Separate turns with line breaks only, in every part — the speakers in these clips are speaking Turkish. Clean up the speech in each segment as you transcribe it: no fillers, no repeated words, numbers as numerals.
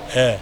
Evet.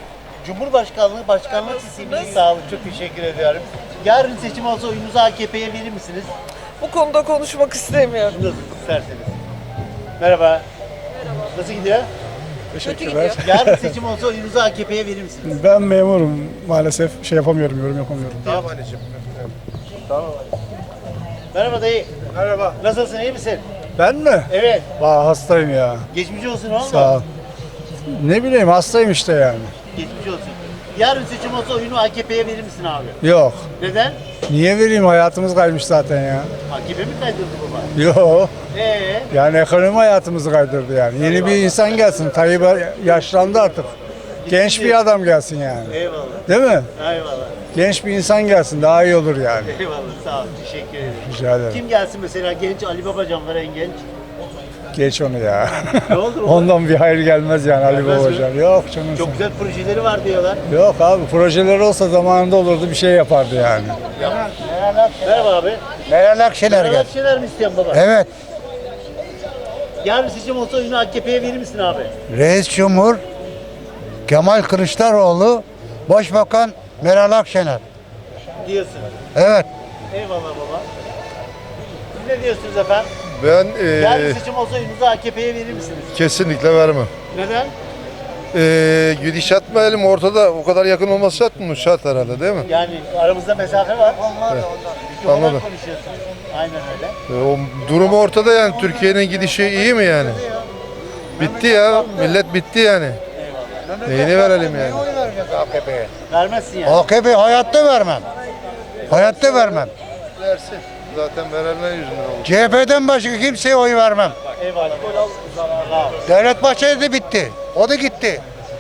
Başkanlık sistemini sağ olun. Çok teşekkür ediyorum. Yarın seçim olsa oyunuzu AKP'ye verir misiniz?
Bu konuda konuşmak istemiyorum.
Nasıl isterseniz. Merhaba. Nasıl gidiyor?
Teşekkürler.
Yarın seçim olsa oyunuzu AKP'ye verir misiniz?
Ben memurum maalesef. yorum yapamıyorum.
Tamam anneciğim. Tamam. Merhaba dayı.
Merhaba.
Nasılsın, iyi misin?
Ben mi?
Evet.
Hastayım ya.
Geçmiş olsun oğlum.
Sağ ol. Ne bileyim hastayım işte yani.
Geçmiş olsun. Yarın seçim olsa oyunu AKP'ye verir misin abi?
Yok.
Neden?
Niye vereyim? Hayatımız kaymış zaten ya.
AKP mi kaydırdı baba?
Yok.
Ee,
Yani ekonomi hayatımızı kaydırdı yani. Yeni bir insan gelsin. Tayyip yaşlandı artık. Genç bir adam gelsin yani.
eyvallah.
Değil mi?
Eyvallah.
Genç bir insan gelsin. Daha iyi olur yani.
Eyvallah. Sağ ol. Teşekkür ederim.
Rica ederim.
Kim gelsin mesela? Genç Ali Babacan var, en genç.
Geç onu ya.
Ne olur baba?
Ondan bir hayır gelmez yani Ali
Gelmez mi?
Babacan. Yok canım.
Çok güzel projeleri var diyorlar.
Yok abi projeleri olsa zamanında olurdu bir şey yapardı yani.
Merhaba abi.
Meral Akşener
Meral
gel.
Akşener mi istiyorsun baba?
Evet.
Yarın seçim olsa oyunu AKP'ye verir misin abi?
Reis Cumhur Kemal Kılıçdaroğlu, Başbakan Meral Akşener.
Diyorsun.
Evet.
Eyvallah baba. Siz ne diyorsunuz efendim?
Ben
Yarın seçim olsa oyunuzu AKP'ye verir misiniz?
kesinlikle vermem.
Neden?
Gidişat mı elim ortada, o kadar yakın olması şart mı? Şart herhalde değil mi?
Yani aramızda mesafe var. İki olan
Anladım.
konuşuyorsunuz. Aynen öyle.
O durumu ortada yani. Türkiye'nin gidişi iyi mi yani? Bitti ya. Millet bitti yani. Neyini verelim yani?
AKP'ye.
Vermezsin yani.
AKP hayatta vermem. Hayatta vermem.
Versin. Zaten verenler yüzünden oldu.
CHP'den başka kimseye oy vermem.
Eyvallah. Sağ ol.
Devlet Bahçeli de bitti. O da gitti.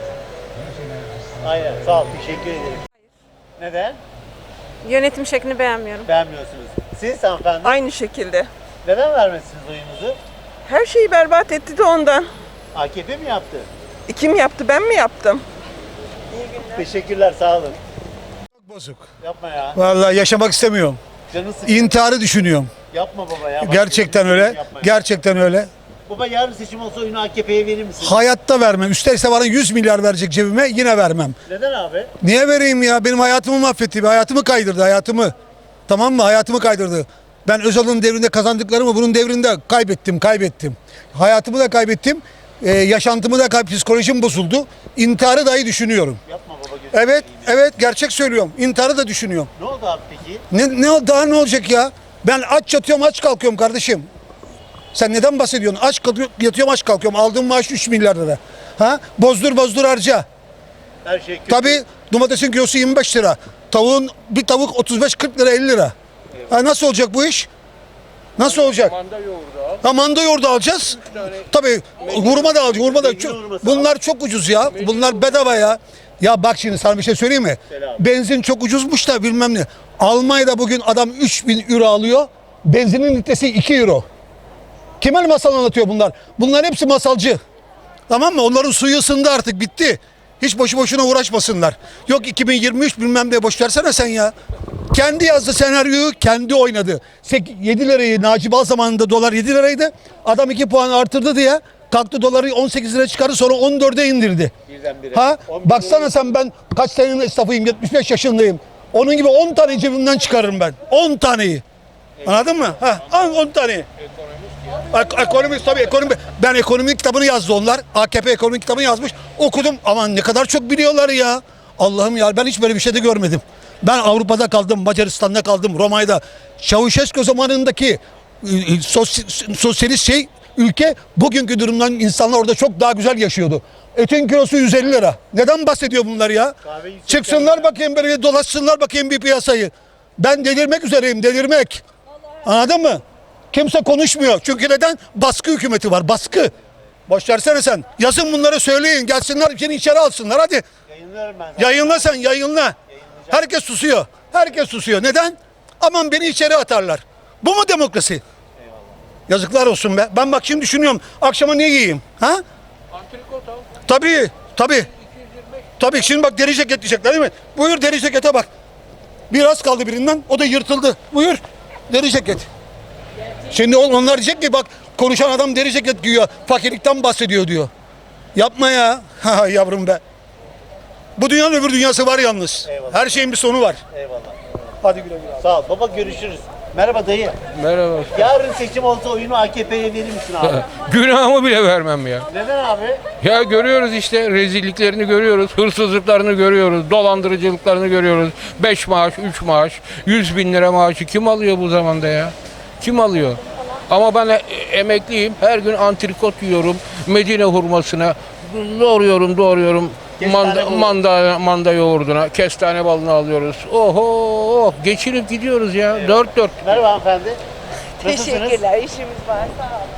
Aynen. Sağ ol. Teşekkür ederim. Neden?
Yönetim şeklini beğenmiyorum.
Beğenmiyorsunuz. Siz hanımefendi
Aynı şekilde.
neden vermezsiniz oyunuzu?
Her şeyi berbat etti de ondan.
AKP mi yaptı?
Kim yaptı, ben mi yaptım?
Teşekkürler. Sağ olun.
Bozuk.
Yapma ya.
Vallahi yaşamak istemiyorum.
Canı sıkıyor.
İntiharı düşünüyorum.
Yapma baba ya. Bak,
Gerçekten
gözünü
öyle.
seveyim, yapma ya.
Gerçekten öyle.
Baba yarın seçim olsa oyunu AKP'ye verir misin?
Hayatta vermem. Üsterse bana 100 milyar verecek cebime yine vermem.
Neden abi?
Niye vereyim ya? Benim hayatımı mahvetti. Hayatımı kaydırdı hayatımı. Tamam mı? Hayatımı kaydırdı. Ben Özal'ın devrinde kazandıklarımı bunun devrinde kaybettim. Hayatımı da kaybettim. Yaşantımı da psikolojim bozuldu. İntiharı dahi düşünüyorum.
Yapma baba gözünü
Evet,
seveyim ya.
evet gerçek söylüyorum. İntiharı da düşünüyorum.
Ne oldu abi peki?
Daha ne olacak ya? Ben aç yatıyorum, aç kalkıyorum kardeşim. Sen neden bahsediyorsun? Yatıyorum, aç kalkıyorum. Aldığım maaş 3 milyar lira. Ha? Bozdur harca.
Her şey kötü.
Tabii domatesin kilosu 25 lira. Bir tavuk 35-40 lira 50 lira. Ha, nasıl olacak bu iş? Nasıl olacak? Manda yoğurdu alacağız. Tabii hurma da alacağız. Bunlar çok ucuz ya. Bunlar bedava ya. Ya bak şimdi sana bir şey söyleyeyim mi? Benzin çok ucuzmuş da bilmem ne. Almanya'da bugün adam 3000 euro alıyor. Benzinin litresi 2 euro. Kime masal anlatıyor bunlar? Bunlar hepsi masalcı. Tamam mı? Onların suyu ısındı artık, bitti. Hiç boşu boşuna uğraşmasınlar. Yok 2023 bilmem ne, boş versene sen ya. Kendi yazdı senaryoyu, kendi oynadı. 7 lirayı Naci Bal zamanında dolar 7 liraydı. Adam 2 puan artırdı diye kalktı doları 18 lira çıkardı, sonra 14'e indirdi.
Birdenbire.
Ha?
11
Baksana sen, ben kaç senenin esnafıyım, 75 yaşındayım. Onun gibi 10 tane cebimden çıkarırım ben. 10 taneyi. Anladın mı? Ha, 10 tane. Ekonomist tabii, ekonomi. Ben ekonomi kitabını yazdı onlar. AKP ekonomi kitabını yazmış. Okudum. Aman ne kadar çok biliyorlar ya. Allah'ım ya, ben hiç böyle bir şey de görmedim. Ben Avrupa'da kaldım, Macaristan'da kaldım, Roma'da. Çavuşescu zamanındaki sosyalist ülke, bugünkü durumdan insanlar orada çok daha güzel yaşıyordu. Etin kilosu 150 lira. Neden bahsediyor bunlar ya? Çıksınlar bakayım, böyle dolaşsınlar bakayım bir piyasayı. Ben delirmek üzereyim, delirmek. Anladın mı? Kimse konuşmuyor. Çünkü neden? Baskı hükümeti var, baskı. Boş versene sen. Yazın bunları, söyleyin. Gelsinler seni içeri alsınlar hadi.
Yayınlıyorum ben.
Yayınla sen, yayınla. Herkes susuyor. Herkes susuyor. Neden? Aman beni içeri atarlar. Bu mu demokrasi? Eyvallah. Yazıklar olsun be. Ben bak şimdi düşünüyorum. Akşama ne yiyeyim? Ha? Antrikot al. Tabii. Tabii şimdi bak, deri ceket diyecekler değil mi? Buyur deri cekete bak. Biraz kaldı birinden. O da yırtıldı. Buyur. Deri ceket. Şimdi onlar diyecek ki bak, konuşan adam deri ceket giyiyor. Fakirlikten bahsediyor diyor. Yapma ya. Ha yavrum be. Bu dünyanın öbür dünyası var yalnız.
Eyvallah.
Her şeyin bir sonu var.
Eyvallah.
Hadi güle güle.
Sağ ol. Baba görüşürüz. Merhaba dayı.
Merhaba.
Yarın seçim olsa oyunu AKP'ye verir misin abi?
Günahımı bile vermem ya.
Neden abi?
Ya görüyoruz işte rezilliklerini görüyoruz, hırsızlıklarını görüyoruz, dolandırıcılıklarını görüyoruz. 5 maaş, 3 maaş, 100 bin lira maaşı kim alıyor bu zamanda ya? Kim alıyor? Ama ben emekliyim, her gün antrikot yiyorum, Medine hurmasına, doğruyorum.
Kestane
Manda yoğurduna, kestane balını alıyoruz. Oho, geçinip gidiyoruz ya, dört dört.
Merhaba hanımefendi. Nasılsınız?
işimiz var.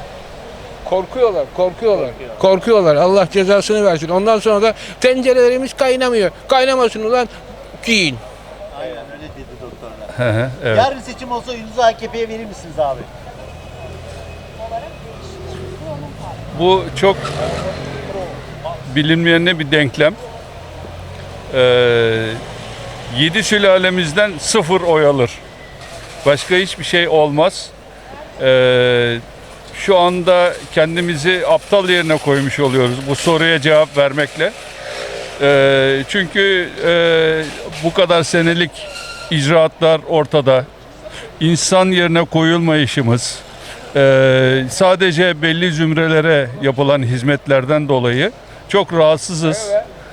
Korkuyorlar. Allah cezasını versin. Ondan sonra da tencerelerimiz kaynamıyor. Kaynamasın ulan, giyin.
Aynen öyle dedi doktorlar.
Evet.
Yarın seçim olsa oyunuzu AKP'ye verir misiniz abi?
Bu çok bilinmeyen bir denklem. 7 sülalemizden 0 oy alır. Başka hiçbir şey olmaz. Şu anda kendimizi aptal yerine koymuş oluyoruz bu soruya cevap vermekle. Çünkü bu kadar senelik icraatlar ortada. İnsan yerine koyulmayışımız, sadece belli zümrelere yapılan hizmetlerden dolayı çok rahatsızız.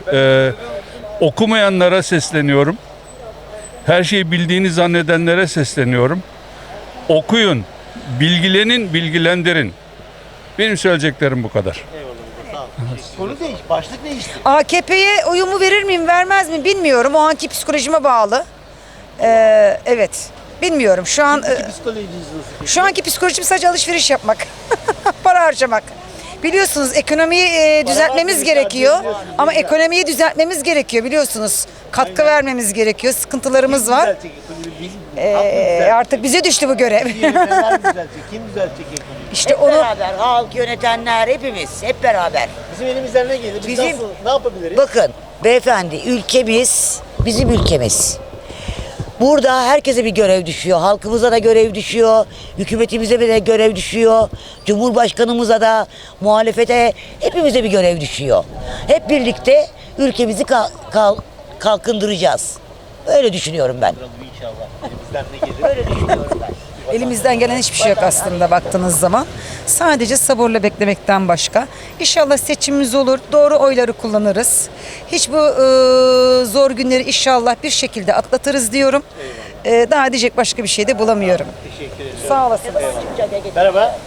Okumayanlara sesleniyorum. Her şeyi bildiğini zannedenlere sesleniyorum. Okuyun, bilgilenin, bilgilendirin. Benim söyleyeceklerim bu kadar.
Sağ ol. Konu değiş, başlık değişti.
AKP'ye oyumu verir miyim vermez mi bilmiyorum. O anki psikolojime bağlı. Evet. Bilmiyorum. Şu an
Psikolojiniz nasıl peki?
şu anki psikolojim sadece alışveriş yapmak. Para harcamak. Biliyorsunuz ekonomiyi düzeltmemiz
var,
gerekiyor.
biliyorsunuz,
Ama
güzel.
ekonomiyi düzeltmemiz gerekiyor biliyorsunuz. Katkı vermemiz gerekiyor. Sıkıntılarımız var.
Düzeltecek ekonomiyi? Halk mı düzeltecek?
Artık bize düştü bu görev.
Yönetmenler mi düzeltecek? Kim düzeltecek ekonomiyi?
İşte
Hep
onu
beraber, halk, yönetenler, hepimiz hep beraber.
Bizim elimizden ne gelir? Biz
Bizim-
nasıl, ne yapabiliriz?
Bakın beyefendi, ülkemiz bizim ülkemiz. Burada herkese bir görev düşüyor. Halkımıza da görev düşüyor. Hükümetimize de görev düşüyor. Cumhurbaşkanımıza da, muhalefete, hepimize bir görev düşüyor. Hep birlikte ülkemizi kalkındıracağız. Öyle düşünüyorum ben.
İnşallah. Elimizden ne gelir?
Öyle düşünüyorum ben.
Elimizden gelen hiçbir şey yok aslında baktığınız zaman. Sadece sabırla beklemekten başka. İnşallah seçimimiz olur. Doğru oyları kullanırız. Hiç bu zor günleri inşallah bir şekilde atlatırız diyorum. Daha diyecek başka bir şey de bulamıyorum.
Teşekkür ederim.
Sağ olasınız.
Merhaba.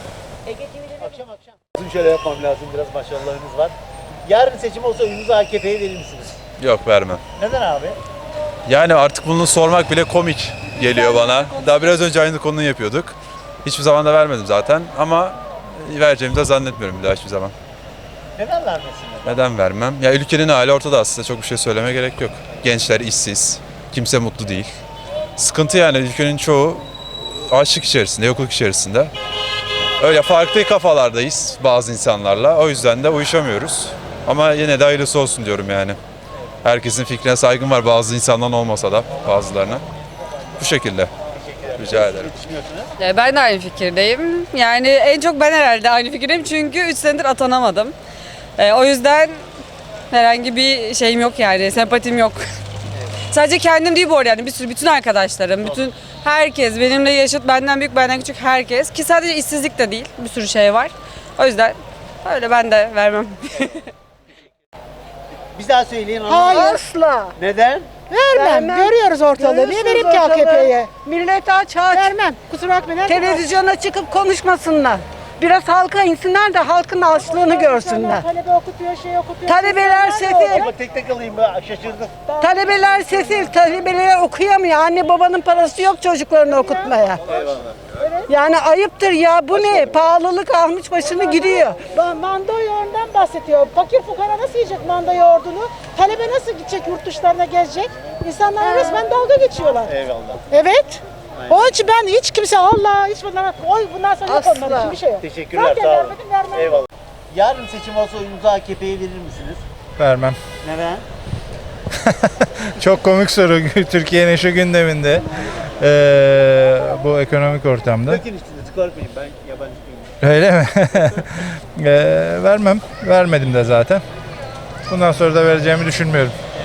Akşam. Bizim şöyle yapmam lazım. Biraz başarılarınız var. Yarın seçim olsa oyunuzu AKP'ye verir misiniz?
Yok, vermem.
Neden abi?
Yani artık bunu sormak bile komik geliyor bana. Daha biraz önce aynı konuyu yapıyorduk. Hiçbir zaman da vermedim zaten ama vereceğimi de zannetmiyorum bir daha hiçbir zaman.
Neden vermesinler?
Neden vermem? Ya ülkenin hali ortada aslında, çok bir şey söylemeye gerek yok. Gençler işsiz, kimse mutlu değil. Sıkıntı yani, ülkenin çoğu açlık içerisinde, yokluk içerisinde. Öyle farklı kafalardayız bazı insanlarla, o yüzden de uyuşamıyoruz. Ama yine de hayırlısı olsun diyorum yani. Herkesin fikrine saygım var, bazı insandan olmasa da bazılarına. Bu şekilde. Rica ederim.
Ben de aynı fikirdeyim. Yani en çok ben herhalde aynı fikirdeyim çünkü 3 senedir atanamadım. O yüzden herhangi bir şeyim yok yani, sempatim yok. Sadece kendim değil bu arada yani bütün arkadaşlarım, bütün herkes, benimle yaşıt, benden büyük, benden küçük herkes. Ki sadece işsizlik de değil, bir sürü şey var. O yüzden öyle ben de vermem.
Bir daha söyleyin.
Asla.
Neden?
Vermem. Görüyoruz ortalığı. Niye vereyim ki AKP'ye?
Millet aç. Vermem. Kusura bakmayın. Televizyona çıkıp konuşmasınlar. Biraz halka insinler de halkın açlığını görsünler.
Talebe okutuyor, şey okutuyor.
Talebeler sefil.
Ama tek alayım ben, şaşırdım.
Talebeler sefil. Talebeler okuyamıyor. Anne babanın parası yok çocuklarını okutmaya. Yani ayıptır ya. Bu ne? Pahalılık almış başını gidiyor.
Manda yoğurdundan bahsediyor. Fakir fukara nasıl yiyecek manda yoğurdunu? Talebe nasıl gidecek yurt dışlarına gezecek? İnsanlar resmen dalga geçiyorlar.
Eyvallah.
Evet. Onun için ben hiç kimse Allah hiç bundan sonra yok onların için bir şey yok.
Teşekkürler.
Zaten
Sağ olun.
vermedim, vermem.
Eyvallah. Yarın seçim olsa oyunuzu AKP'ye verir misiniz?
Vermem.
Neden?
Çok komik soru Türkiye'nin şu gündeminde. Bu ekonomik ortamda.
Dökün üstüne, çıkartmayın. Ben yabancı değilim.
Öyle mi? Vermem. Vermedim de zaten. Bundan sonra da vereceğimi düşünmüyorum.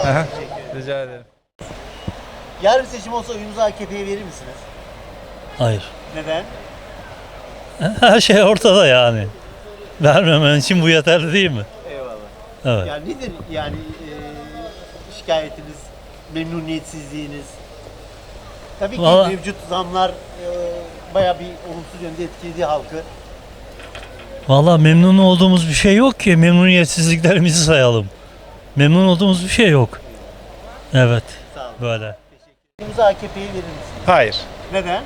Rica ederim. Yarın seçim olsa oyunuzu AKP'ye verir misiniz?
Hayır.
Neden?
Her şey ortada yani. Vermemen için bu yeterli değil mi?
Eyvallah.
Evet.
Yani nedir yani şikayetiniz, memnuniyetsizliğiniz? Tabii ki
Vallahi-
mevcut zamlar bayağı bir olumsuz yönde etkiledi halkı.
Vallahi memnun olduğumuz bir şey yok ki. Memnuniyetsizliklerimizi sayalım. Memnun olduğumuz bir şey yok. Evet.
Sağ olun.
Böyle.
Oyunuzu AKP'ye verir misiniz?
Hayır.
Neden?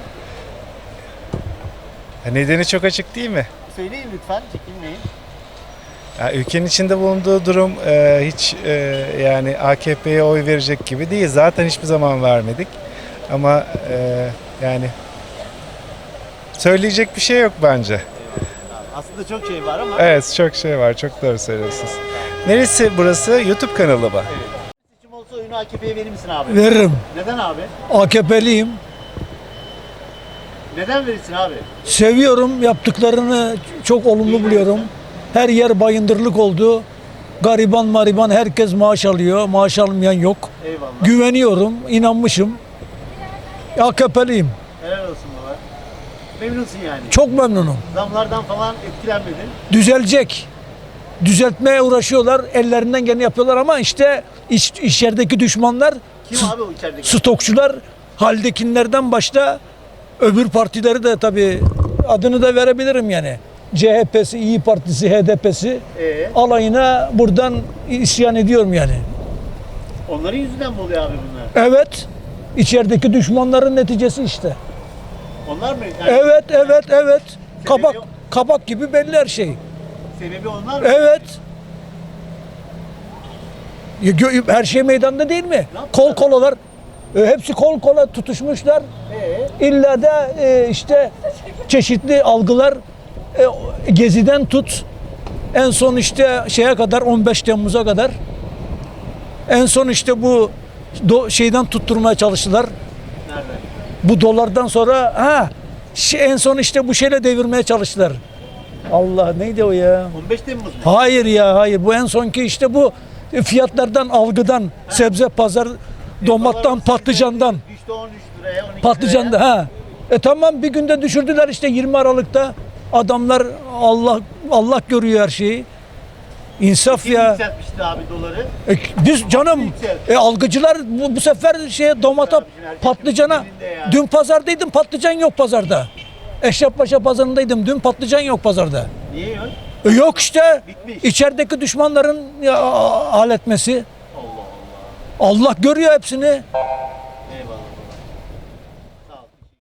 Nedeni çok açık değil mi?
Söyleyin lütfen, çekinmeyin.
Ya, ülkenin içinde bulunduğu durum hiç yani AKP'ye oy verecek gibi değil. Zaten hiçbir zaman vermedik. Ama yani söyleyecek bir şey yok bence.
Aslında çok şey var ama
Evet, çok şey var. Çok doğru söylüyorsunuz. Neresi burası? YouTube kanalı mı?
seçim olsa oyunu AKP'ye verir misin abi?
Veririm.
Neden abi?
AKP'liyim.
Neden verirsin abi?
Seviyorum. Yaptıklarını çok olumlu buluyorum. Her yer bayındırlık oldu. Gariban mariban herkes maaş alıyor. Maaş almayan yok.
Eyvallah.
Güveniyorum. İnanmışım. AKP'liyim.
Helal olsun baba. Memnunsun yani.
Çok memnunum.
Zamlardan falan etkilenmedin.
Düzelecek. Düzeltmeye uğraşıyorlar. Ellerinden geleni yapıyorlar ama işte içerideki düşmanlar,
Kim abi o içerideki?
stokçular, haldekinlerden başta öbür partileri de tabii adını da verebilirim yani. CHP'si, İyi Partisi, HDP'si alayına buradan isyan ediyorum yani.
Onların yüzünden mi oluyor abi bunlar?
Evet. İçerideki düşmanların neticesi işte.
Onlar mı? Yani
Evet. Kabak gibi belli her şey.
Sebebi onlar mı?
Evet. Her şey meydanda değil mi? Kol kolalar. Hepsi kol kola tutuşmuşlar. İlla da işte çeşitli algılar Gezi'den tut. En son işte şeye kadar 15 Temmuz'a kadar. En son işte bu şeyden tutturmaya çalıştılar.
Nerede?
Bu dolardan sonra en son işte bu şeyle devirmeye çalıştılar. Allah neydi o ya?
15 Temmuz mu?
Hayır ya hayır. Bu en sonki işte bu fiyatlardan, algıdan, sebze pazar, domattan, patlıcandan.
Düştü 13 liraya, 12
Patlıcanda
liraya.
Tamam bir günde düşürdüler işte 20 Aralık'ta. Adamlar Allah görüyor her şeyi. İnsaf
Kim
ya.
yükseltmişti abi doları?
Biz canım algıcılar bu sefer domata, patlıcana dün pazardaydım, patlıcan yok pazarda. Eşrefpaşa pazarındaydım. Dün patlıcan yok pazarda.
Niye yok?
Yok işte.
Bitmiş.
İçerideki düşmanların halletmesi.
Allah Allah.
Allah görüyor hepsini.
Eyvallah.